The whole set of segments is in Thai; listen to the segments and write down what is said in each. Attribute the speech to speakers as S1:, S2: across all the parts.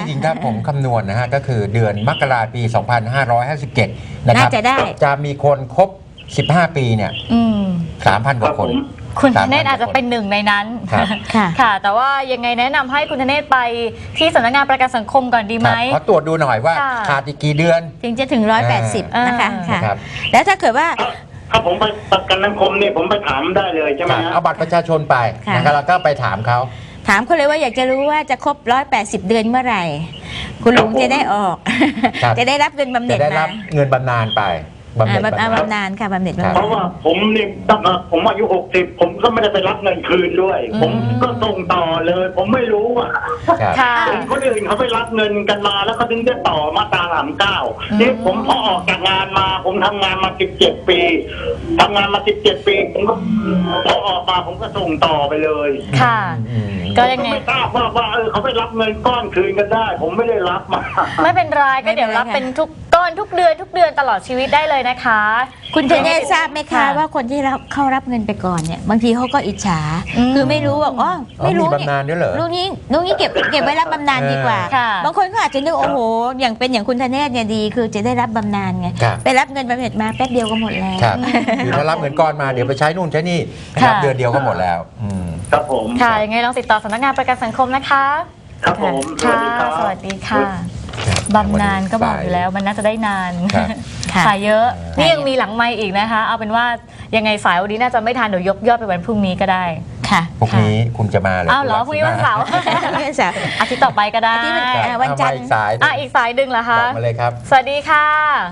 S1: หญิงครับผมคำนวณนะฮะก็คือเดือนมกราคมปี 2557 นะครับ
S2: น่าจะได้
S1: จะมีคนครบ 15 ปีเนี่ย 3,000 กว่าคน
S3: คุณธเนศอาจจะเป็นหนึ่งในนั้น
S1: ครับ
S3: ค่ะ แต่ว่ายังไงแนะนำให้คุณธเนศไปที่สำนักงานประกันสังคมก่อนดีไหม
S1: ขอตรวจดูหน่อยว่า
S3: ค่ะ
S1: ขาดอีกกี่เดือน
S2: ถึงจะถึง180นะคะค่ะ
S1: ครับ
S2: แล้วถ้าเกิดว่า
S4: ถ้าผมไปประกันสังคมเนี่ยผมไปถามได้เลยใช่ไหมฮะ
S1: เอาบัตรประชาชนไป
S2: ค่ะ
S1: นะครับแล้วก็ไปถามเขา
S2: ถามเขาเลยว่าอยากจะรู้ว่าจะครบ180 เดือนเมื่อไหร่ คุณลุงจะได้ออก
S1: ครับ
S2: จะได้รับเงินบำเหน็
S1: จะ
S2: จ
S1: ได้
S2: มา
S1: รับเงินบำนาญไปบำเหน็จ
S2: บำ
S1: บำนาญ
S2: นาญค่ะบำเหน็จ
S1: ครับ
S2: บำ
S4: เพ
S2: นาญ
S4: ราะว่าผมนี่ตั้งแต่ผมอายุ60ผมก็ไม่ได้ไปรับเงินคืนด้วย ผมก็ส่งต่อเลย ผมไม่รู้อ่ะ
S1: ครับ
S3: ค่ะ
S4: เห็นคนอื่นเขาไปรับเงินกันมาแล้วเขาถึงได้ต่อมาตรา39นี่ผมพอออกจากงานมาผมทำงานมา17 ปีทำงานมา17 ปีผมก็พอออกมาผมก็ส่งต่อไปเลย
S3: ค่ะ ก็ยังไง
S4: ไม่ทราบว่าเขาไปรับเงินก้อนคืนกันได้ ผมไม่ได้รับมา
S3: ไม่เป็นไรก็เดี๋ยวรับเป็นทุกก้อนทุกเดือนตลอดชีวิตได้เลยนะคะ
S2: คุณเทเนศทราบไหมคะ
S3: ค่ะ
S2: ว่าคนที่เข้ารับเงินไปก่อนเนี่ยบางทีเขาก็อิจฉา
S3: อืม
S2: คือไม่รู้ว่าอ๋อไม่รู้
S1: มีบำนาญด้วยเหรอ
S2: ลูกนี้เก็บไว้รับบำนาญดีกว่า
S3: ค่ะ
S2: บางคนก็อาจจะนึกโอ้โหอย่างคุณธเนศเนี่ยดีคือจะได้รับบำนาญไง
S1: ครับ
S2: ไปรับเงินบำเหน็จมาแป๊บเดียวก็หมดแล้ว
S1: ครับคือถ้ารับเงินก้อนมาเดี๋ยวไปใช้นู่นใช้นี่นะครับ
S3: ค่ะ
S1: เดือนเดียวก็หมดแล้วม
S4: ครับผม
S3: ค่ะยังไงลองติดต่อสำนักงานประกันสังคมนะคะ
S4: ครับผมสวั
S3: ค่ะ
S4: สดีครับ
S3: สวัสดีค่ะบำนาญก็บอกอยู่แล้วมันน่าจะได้นาน
S1: ครับ
S2: ค่ะ
S3: สายเยอะ นี่ยังมีหลังไมค์อีกนะคะ เอาเป็นว่ายังไงสายวันนี้น่าจะไม่ทันเดี๋ยวยกยอดไปวันพรุ่งนี้ก็ได้
S2: ค่ะ
S1: พรุ่งนี้คุณจะมาเหรอ
S3: อ้าวเหรอพรุ่งนี้วันเสาร์
S2: ไม่ใช่
S3: อาทิตย์ต่อไปก็ได้
S2: อาทิตย์
S1: ครับ
S2: วันจันทร์
S1: เอามาอีกสายหนึ่ง
S3: อีกสายดึงเหรอ
S1: บ
S3: คะ
S1: อกมาเลยครับ
S3: สวัสดีค่ะ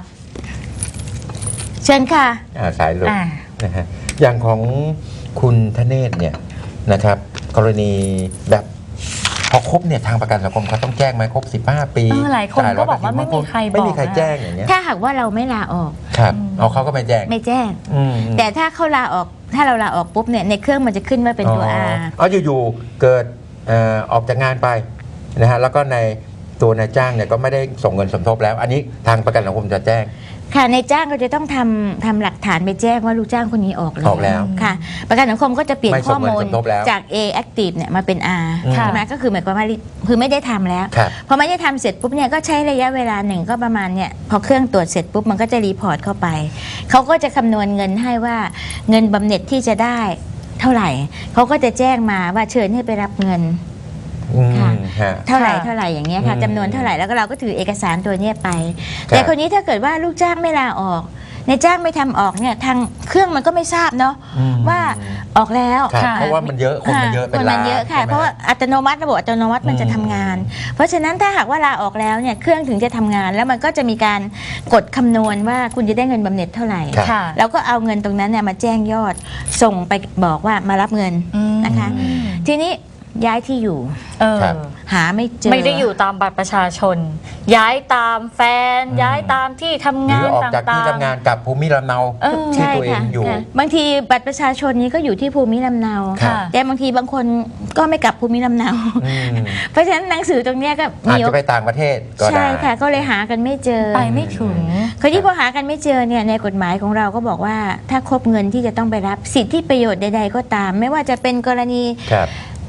S2: เชิญค่ะ
S1: สายหลุด
S3: อ่า
S1: นะฮะอย่างของคุณธเนศเนี่ยนะครับ กรณีแบบพอครบเนี่ยทางประกันสังคมเขาต้องแจ้งไหมครบ 15 ปี
S3: หลายคนก็บอกว่าไม่มีใครบอก
S1: ไม่มีใครแจ้งอย่างเงี้ย
S2: ถ้าหากว่าเราไม่ลาออก
S1: ครับเอาเขาก็ไม่แจ้ง
S2: ไม่แจ้ง
S1: อืม
S2: แต่ถ้าเขาลาออกถ้าเราลาออกปุ๊บเนี่ยในเครื่องมันจะขึ้นว่าเป็นตัว R
S1: อ๋ออยู่ๆเกิดออกจากงานไปนะฮะแล้วก็ในตัวนายจ้างเนี่ยก็ไม่ได้ส่งเงินสมทบแล้ว อันนี้ทางประกันสังคมจะแจ้ง
S2: ค่ะในจ้างก็จะต้องทำหลักฐานไปแจ้งว่าลูกจ้างคนนี้ออก
S1: ออกแล้ว
S2: ค่ะ ประกันสังคมก็จะเปลี่ยน
S1: ไม่ส่
S2: ข้อง
S1: เงิน
S2: มูล
S1: สมทบแล้ว
S2: จาก A active เนี่ยมาเป็น R
S1: อืม
S2: ใช่ไหมก็คือหมายความว่าคือไม่ได้ทำแล้ว
S1: ครับ
S2: พอไม่ได้ทำเสร็จปุ๊บเนี่ยก็ใช้ระยะเวลาหนึ่งก็ประมาณเนี่ยพอเครื่องตรวจเสร็จปุ๊บมันก็จะรีพอร์ตเข้าไปเขาก็จะคำนวณเงินให้ว่าเงินบำเหน็จที่จะได้เท่าไหร่เขาก็จะแจ้งมาว่าเชิญให้ไปรับเงิน
S1: อืม
S2: ค่ะ
S1: ฮะ
S2: เท่าไหร่
S3: ค่ะ
S2: เท่าไหร่อย่างเงี้ยค่ะ
S1: อืม
S2: จำนวนเท่าไหร่แล้วก็เราก็ถือเอกสารตัวเนี้ยไป
S1: ครับ
S2: แต่คนนี้ถ้าเกิดว่าลูกจ้างไม่ลาออกในจ้างไม่ทำออกเนี่ยทางเครื่องมันก็ไม่ทราบเนาะ
S1: อืม
S2: ว่าออกแล้ว
S1: ครับ
S3: ค่ะ
S1: เพราะว่ามันเยอะคนมันเยอะเป็น
S2: คน
S1: ล้า
S2: มัน นเยอะค่ะ
S1: ใช่ไหม
S2: เพราะว่าอัตโนมัติระบบอัตโนมัติมันจะทำงาน เพราะฉะนั้นถ้าหากว่าลาออกแล้วเนี่ยเครื่องถึงจะทำงาน แล้วมันก็จะมีการกดคำนวณว่าคุณจะได้เงินบำเหน็จเท่าไหร่
S1: ครับ
S3: ค่ะ
S2: แล้วก็เอาเงินตรงนั้นเนี่ยมาแจ้งยอดส่งไปบอกว่ามารับเงินนะคะ
S3: อืม
S2: ทีนี้ย้ายที่อยู่
S1: ครับ
S2: หาไม่เจอ
S3: ไม่ได้อยู่ตามบัตรประชาชน ย้ายตามแฟน ย้ายตามที่ทำ
S1: หรื
S3: งา
S1: อนออกจาก
S3: ต่า
S1: ที่
S3: ง
S1: ทำงานกับภูมิลำเนา
S3: เออ
S1: ที่ตัวเองอยู่
S2: ค่ะบางทีบัตรประชาชนนี้ก็อยู่ที่ภูมิลำเนา
S1: ครับ
S2: แต่บางทีบางคนก็ไม่กลับภูมิลำเนา
S1: อืม
S2: เพราะฉะนั้นหนังสือตรงเนี้ยก็
S1: อาจ
S2: มี
S1: จะไปต่างประเทศก็ได้
S2: ใช่ค่ะก็เลยหากันไม่เจอ
S3: ไปไม่ถึง
S2: คือที่พอหากันไม่เจอเนี่ยในกฎหมายของเราก็บอกว่าถ้าครบเงินที่จะต้องไปรับสิทธิประโยชน์ใดๆก็ตาม ไม่ว่าจะเป็นกรณี
S1: ครับ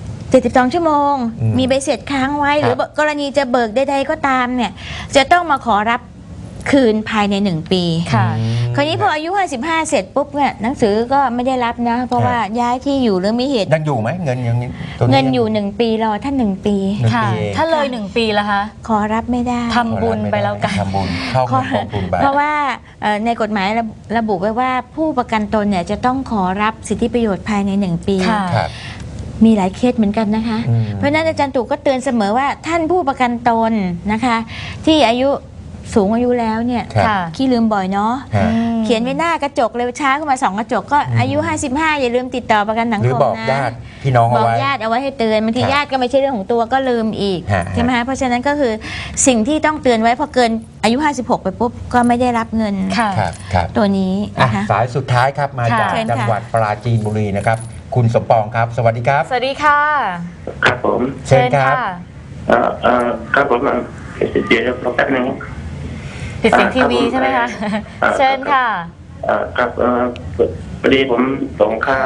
S2: 72 ชั่วโมง
S1: อืม
S2: มีใบเสร็จค้างไว้
S1: ครับ
S2: หรือกรณีจะเบิกใดๆก็ตามเนี่ยจะต้องมาขอรับคืนภายใน 1 ปี
S3: ค่ะ
S2: คราวนี้พออายุ 55 เสร็จปุ๊บเนี่ยหนังสือก็ไม่ได้รับนะ เพราะว่าย้ายที่อยู่หรือมีเหตุ
S1: ยังอยู่ไหมเงินยังตัว
S2: เงินอยู่ 1 ปีรอท่าน1 ปี
S1: หนึ่ง
S3: ค่ะ
S1: ปีเอง
S3: ถ้าเลย1 ปีละคะ
S2: ขอรับไม่ได้
S3: ทำบุญไปแล้วกัน
S1: ทำบุญเข้าเงินกองทุนไป
S2: เพราะว่าในกฎหมายระบุไว้ว่าผู้ประกันตนเนี่ยจะต้องขอรับสิทธิประโยชน์ภายใน 1 ปี
S3: ค่ะ
S1: ครับ
S2: มีหลายเคสเหมือนกันนะคะ
S1: อืม
S2: เพราะฉะนั้นอาจารย์ตู่ก็เตือนเสมอว่าท่านผู้ประกันตนนะคะ ที่อายุสูงอายุแล้วเนี่ย
S1: ครับ
S3: ค่ะ
S2: ขี้ลืมบ่อยเนาะ
S1: ฮะ
S2: เขียนไว้หน้ากระจกเลยช้าขึ้นมา2 กระจกก็อายุ 55 อย่าลืมติดต่อประกันสัง
S1: หรือ
S2: คม
S1: บอก
S2: นะ
S1: ญาติพี่น้อง
S2: บ
S1: เอา
S2: อก
S1: ไว้
S2: ญาติเอาไว้ให้เตือนบางที
S1: ครับ
S2: ญาติก็ไม่ใช่เรื่องของตัวก็ลืมอีก
S1: ฮะ
S2: ใช่ไหมคะเพราะฉะนั้นก็คือสิ่งที่ต้องเตือนไว้พอเกินอายุ 56 ไปปุ๊บก็ไม่ได้รับเงิน
S3: ค่ะ
S1: ครับครับ
S2: ตัวนี้
S1: อ่ะ
S2: นะคะ
S1: สายสุดท้ายครับมาจาก
S2: ค่ะเชิญค่ะ
S1: จังหวัดปราจีนบุรีนะครับ คุณสมปองครับ สวัสดีครับ
S3: สวัสดีค่ะ
S4: ครับผม
S1: เชิญครับ
S4: ครับผมเดี๋ยวรอแป๊บนึง
S3: ปิดเสียงทีวีใช่ไหมคะ เชิญค่ะ
S4: ครับพอดีผมส่งค่า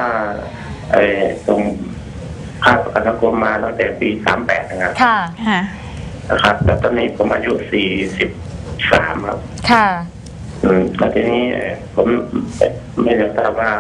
S4: ส่งค่าประกันสังคมมาตั้งแต่ปี38นะครับ
S3: ค่ะ
S2: ค่ะ
S5: นะครับแต่ตอนนี้ผมอายุ43ครับ
S3: ค่ะ
S5: แล้วทีนี้ผมไม่ได้ทราบว่า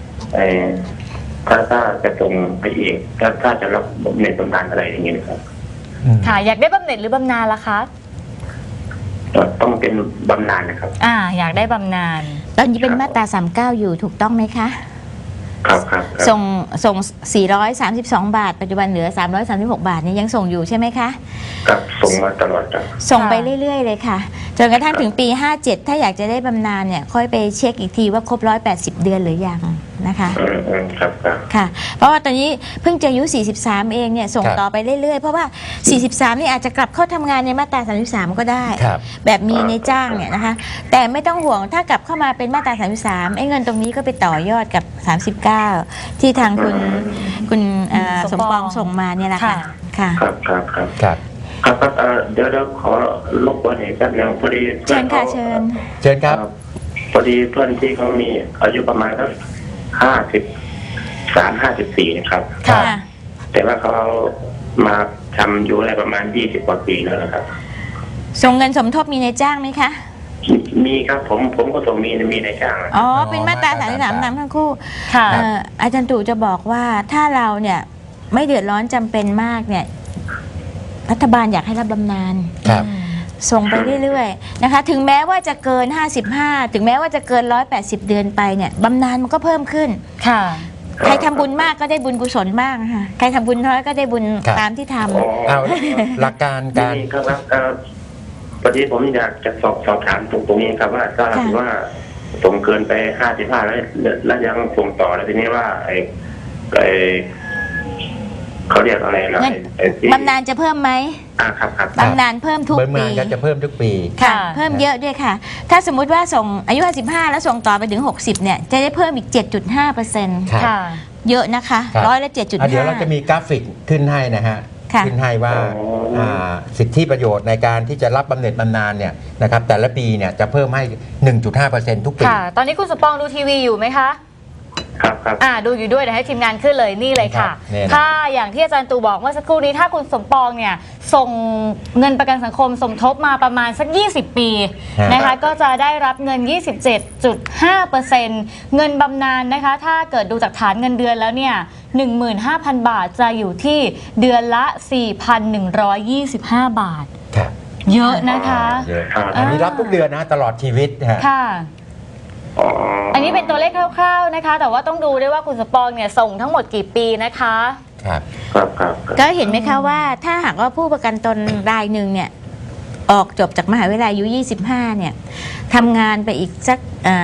S5: ถ้าจะส่งไปอีกถ้าจะรับบำเหน็จบำนาญอะไรอย่างเงี้ยครับ
S3: ค่ะ อยากได้บำเหน็จหรือบำนาญล่ะคะ
S5: ต้องเป็นบำนาญนะครับ
S3: อยากได้บำนาญ
S2: ตอนนี้เป็นมาตรา39อยู่ถูกต้องไหมคะ
S5: ครับครับ
S2: ส่ง432 บาท ปัจจุบันเหลือ336 บาทเนี่ยยังส่งอยู่ใช่ไหมคะ
S5: ครับส่งมาตลอดครับ
S2: ส่งไปเรื่อยๆเลยค่ะจนกระทั่งถึงปี 57 ถ้าอยากจะได้บำนาญเนี่ยค่อยไปเช็คอีกทีว่าครบ180 เดือนหรือยังนะคะ
S5: ครับครับ
S2: ค่ะเพราะว่าตอนนี้เพิ่งจะอายุ43เองเนี่ยส่งต่อไปเรื่อยๆเพราะว่า43นี่อาจจะกลับเข้าทำงานในมาตรา33ก็ได้
S1: ครับ
S2: แบบมีในจ้างเนี่ยนะคะแต่ไม่ต้องห่วงถ้ากลับเข้ามาเป็นมาตรา33ไอ้เงินตรงนี้ก็ไปต่อยอดกับ39ที่ทางคุณสมปองส่งมาเนี่ยแหละค่ะค่ะ
S5: ครับครับครับ
S1: ครับ
S5: ครับเดี๋ยวขอรบกวนอีกแป๊บนึงพอดี
S2: เชิญค่ะเชิญ
S1: เชิญครับ
S5: พอดีเพื่อนที่เขามีอายุประมาณสัก53-54นะครับ
S3: ค่ะ
S5: แต่ว่าเขามาทำอยู่อะไรประมาณ20 กว่าปีแล้วนะครับ
S2: ส่งเงินสมทบมีในจ้างไหมคะ
S5: มีครับผมก็ส่งมีในจ้างนะ
S2: อ๋อเป็นมาตรา33นำทั้งคู่
S3: ค่ะ
S2: อาจารย์ตู่จะบอกว่าถ้าเราเนี่ยไม่เดือดร้อนจำเป็นมากเนี่ยรัฐบาลอยากให้รับบำนาญ
S1: ครับ
S2: ส่งไปเรื่อยๆนะคะถึงแม้ว่าจะเกิน55ถึงแม้ว่าจะเกิน180 เดือนไปเนี่ยบำนาญมันก็เพิ่มขึ้น
S3: ค่ะ
S2: ใครทำบุญมากก็ได้บุญกุศลมากค่ะใครทำบุญน้อยก็ได้บุญ
S1: ครับ
S2: ตามที่ท
S1: เอาหลักการการ
S5: นี่ครับพอดีผมอยากจะสอบถามตรงนี้ครับว่าถ้าถือว่าส่งเกินไป55แล้วยังส่งต่อแล้วทีนี้ว่าไอ้เขาเรียกอะไรนะ
S2: ำเงิน
S5: ที่
S2: บำนาญจะเพิ่มไหม
S5: ครับครับ
S2: บำนาญเพิ่มทุก
S1: บำ
S2: ปี
S1: นาญก็จะเพิ่มทุกปี
S2: ค่ะ
S3: ค่ะ
S2: เพิ่มเยอะด้วยค่ะ ถ้าสมมุติว่าส่งอายุ55แล้วส่งต่อไปถึง60เนี่ยจะได้เพิ่มอีก 7.5%
S1: ครับ
S3: ค่ะ
S2: เยอะนะคะ
S1: ครับ
S2: ร้อยละ
S1: เดี๋ยวเราจะมีกราฟิกขึ้นให้นะฮะ
S2: ค่ะ
S1: ขึ้นให้ว่าสิทธิประโยชน์ในการที่จะรับบำเหน็จบำนาญเนี่ยนะครับแต่ละปีเนี่ยจะเพิ่มให้ 1.5% ทุกปี
S3: ค่ะ ตอนนี้คุณสมปองดูทีวีอยู่ไหมคะ
S5: ครับครับ
S3: ดูอยู่ด้วยเดี๋ยวให้ทีมงานขึ้นเลยนี่เลยค่ะ
S1: ครับนี่นะ
S3: ถ้าอย่างที่อาจารย์ตู่บอกเมื่อสักครู่นี้ถ้าคุณสมปองเนี่ยส่งเงินประกันสังคมสมทบมาประมาณสัก 20 ปีนะคะก็จะได้รับเงิน 27.5% เงินบำนาญนะคะถ้าเกิดดูจากฐานเงินเดือนแล้วเนี่ย 15,000 บาทจะอยู่ที่เดือนละ 4,125 บาท
S1: ครับ
S3: เยอะนะคะ
S1: เยอะอันนี้รับทุกเดือนนะตลอดชีวิตนะฮะ
S3: ค่ะ อันนี้เป็นตัวเลขคร่าวๆนะคะ แต่ว่าต้องดูด้วยว่าคุณสมปองเนี่ยส่งทั้งหมดกี่ปีนะคะ
S1: ครับ
S5: ครับครับ
S2: ก็เห็นไหมคะว่าถ้าหากว่าผู้ประกันตนรายหนึ่งเนี่ยออกจบจากมหาวิทยาลัยอายุ25เนี่ยทำงานไปอีกสัก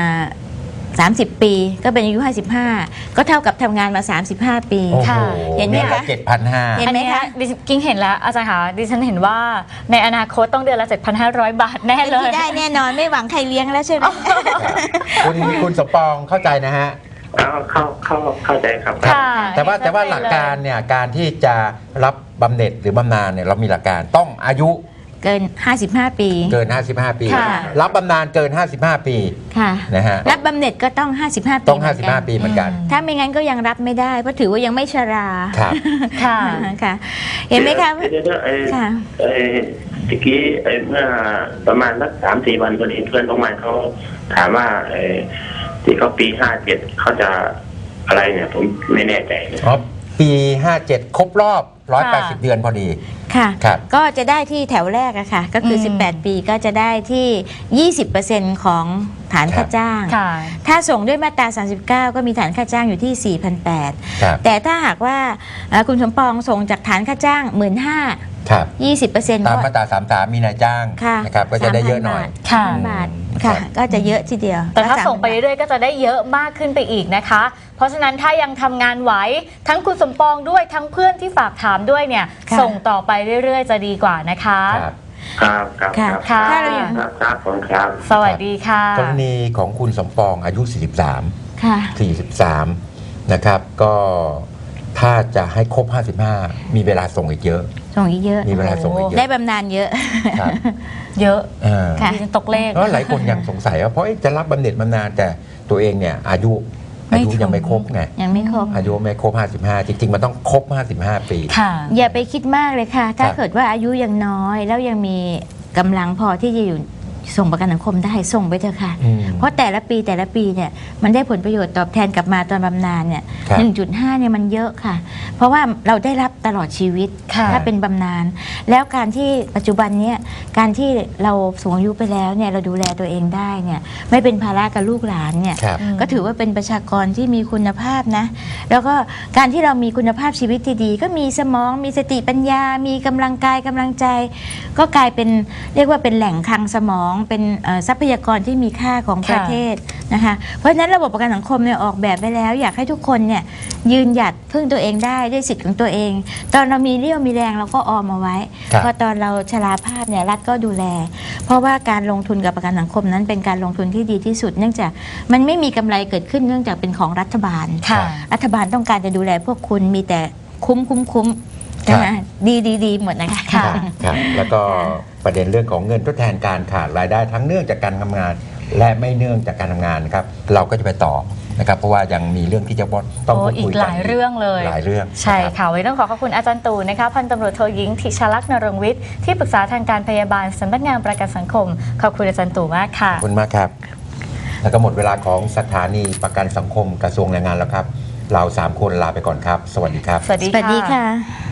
S2: 30 ปีก็เป็นอายุ55ก็เท่ากับทำงานมา 35 ปี
S1: โอ้โห
S3: ค่ะ
S2: เห็นไหมคะ
S1: 7,500
S2: เห็นไหมคะ
S3: อัดิฉันกิ้งเห็นแล้วอาจารย์คะดิฉันเห็นว่าในอนาคตต้องเดือนละ 7,500 บาทแน่
S2: เป็น
S3: เลย
S2: ที่ได้แน่นอนไม่หวังใครเลี้ยงแล้วใช่ไหม
S1: คุณสมปองเข้าใจนะฮะ
S5: เข้าใจครับ
S3: ค่ะ
S1: แต่ว่าหลักการเนี่ยการที่จะรับบำเหน็จหรือบำนาญเนี่ยเรามีหลักการต้องอายุ
S2: เกิน 55 ปี
S1: เกิน 55 ปี
S3: ค่ะ
S1: รับบำนาญเกิน 55 ปี
S2: ค่ะ
S1: นะฮะ
S2: รับบำเหน็จก็ต้อง 55 ปี
S1: ต้อง
S2: เหมืนกัน
S1: 55 ปีเหมือนกัน
S2: ถ้าไม่งั้นก็ยังรับไม่ได้เพราะถือว่ายังไม่ชรา
S1: ครับ
S3: ค่ะ
S2: ค่ะ เห็นไหมคะ
S5: เดี๋ยว
S2: ค่ะ
S5: ตะกี้เมื่อประมาณสัก3-4 วันพอดีเพื่อนของมันเขาถามว่าที่เขาปี57เขาจะอะไรเนี่ยผมไม่แน่ใจเลย
S1: อ๋อปี 57 ครบรอบ 180 เดือนพอดี
S2: ค่ะ
S1: ครับ
S2: ก็จะได้ที่แถวแรกอะค่ะ ก็คือ 18 ปีก็จะได้ที่ 20% ของฐานค่าจ้าง
S3: ค่ะ
S2: ถ้าส่งด้วยมาตรา 39 ก็มีฐานค่าจ้างอยู่ที่ 4,800
S1: ครับ
S2: แต่ถ้าหากว่าคุณสมปองส่งจากฐานค่าจ้าง 15,000
S1: ครับ
S2: 20%
S1: ตาม
S2: ก็
S1: มาตรา33มีนายจ้าง
S2: ค่ะ
S1: นะครับก็จะได้เยอะหน่อย
S3: ค่ะ
S2: 3,000 บาทค่ะ ก็จะเยอะทีเดียว
S3: แต่ถ้า
S2: ก็
S3: ส่งไปเรื่อยๆก็จะได้เยอะมากขึ้นไปอีกนะคะ เพราะฉะนั้นถ้ายังทำงานไหวทั้งคุณสมปองด้วยทั้งเพื่อนที่ฝากถามด้วยเนี่ย
S2: ค่ะ
S3: ส่งต่อไปเรื่อยๆ จะดีกว่านะคะ
S1: ครับ
S5: ครับ
S2: ค่ะ
S3: ค่ะ
S2: ถ้าเรายัง
S5: ครับผมครับ
S3: สวัสดีค่ะ
S1: กรณีของคุณสมปองอายุ 43
S2: ค่ะ
S1: 43 นะครับ ก็ถ้าจะให้ครบ 55 มีเวลาส่งอีกเยอะ
S2: ส่งอีกเยอะ
S1: มีเวลาส่งอีกเย
S2: ได้
S1: อะ
S2: บำนาญเยอะ
S1: ครับ
S3: เยอะ
S1: อ่า
S2: ค่ะ
S3: ดิฉันตกเลข
S1: เพราะหลายคนยังสงสัยว่าเพราะจะรับบำเหน็จบำนาญแต่ตัวเองเนี่ยอายุอายุยังไม่ครบไง
S2: ยังไม่ครบ
S1: อายุไม่ครบ 55 จริงๆ มันต้องครบ 55 ปี
S3: ค่ะ
S2: อย่าไปคิดมากเลยค่ะ ถ้า
S1: ครับ
S2: เกิดว่าอายุยังน้อย แล้วยังมีกำลังพอที่จะอยู่ส่งประกันสังคมได้ส่งไปเถอะค่ะ
S1: อืม
S2: เพราะแต่ละปีเนี่ยมันได้ผลประโยชน์ตอบแทนกลับมาตอนบำนาญเนี่ย
S1: ครับ
S2: 1.5 เนี่ยมันเยอะค่ะ เพราะว่าเราได้รับตลอดชีวิต
S3: ค่ะ
S2: ถ้าเป็นบำนาญแล้วการที่ปัจจุบันเนี้ยการที่เราสูงอายุไปแล้วเนี่ยเราดูแลตัวเองได้เนี่ยไม่เป็นภาระกับลูกหลานเนี่ย
S1: ครับ
S2: ก็ถือว่าเป็นประชากรที่มีคุณภาพนะ แล้วก็การที่เรามีคุณภาพชีวิตที่ดี ก็มีสมองมีสติปัญญา มีกำลังกายกำลังใจ ก็กลายเป็นเรียกว่าเป็นแหล่งคลังสมองเป็นทรัพยากรที่มีค่าของประเทศนะคะ เพราะฉะนั้นระบบประกันสังคมเนี่ยออกแบบไว้แล้ว อยากให้ทุกคนเนี่ยยืนหยัดพึ่งตัวเองได้ด้วยสิทธิ์ของตัวเอง ตอนเรามีเรี่ยวมีแรงเราก็ออมเอาไว้
S1: ครับ
S2: พอตอนเราชราภาพเนี่ยรัฐก็ดูแล เพราะว่าการลงทุนกับประกันสังคมนั้นเป็นการลงทุนที่ดีที่สุด เนื่องจากมันไม่มีกำไรเกิดขึ้นเนื่องจากเป็นของรัฐบาล
S3: ค่ะ
S2: รัฐบาลต้องการจะดูแลพวกคุณมีแต่คุ้มนะคะดีหมดนะคะ
S3: ค่ะ
S1: ครับแล้วก็ประเด็นเรื่องของเงินทดแทนการขาดรายได้ทั้งเนื่องจากการทำงาน และไม่เนื่องจากการทำงานนะครับเราก็จะไปต่อนะครับเพราะว่ายังมีเรื่องที่จะต้อง
S3: โอ้
S1: พูด
S3: อี
S1: คุย
S3: ก
S1: กัน
S3: หลายเรื่องเลย
S1: หลายเรื่อง
S3: ใช่
S1: นะครับ
S3: ค่ะวันนี้ต้องขอบคุณอาจารย์ตู่นะคะพันตำรวจโทหญิงธิชลักษณ์นรงค์วิทย์ที่ปรึกษาทางการพยาบาลสำนักงานประกันสังคมขอบคุณอาจารย์ตู่มากค่ะ
S1: ขอบคุณมากครับ แล้วก็หมดเวลาของสถานีประกันสังคมกระทรวงแรงงานแล้วครับ เรา 3 คนลาไปก่อนครับ สวัสดีครับ
S3: สวัสดี
S2: สวัสดี
S3: ค่ะ
S2: ค่ะ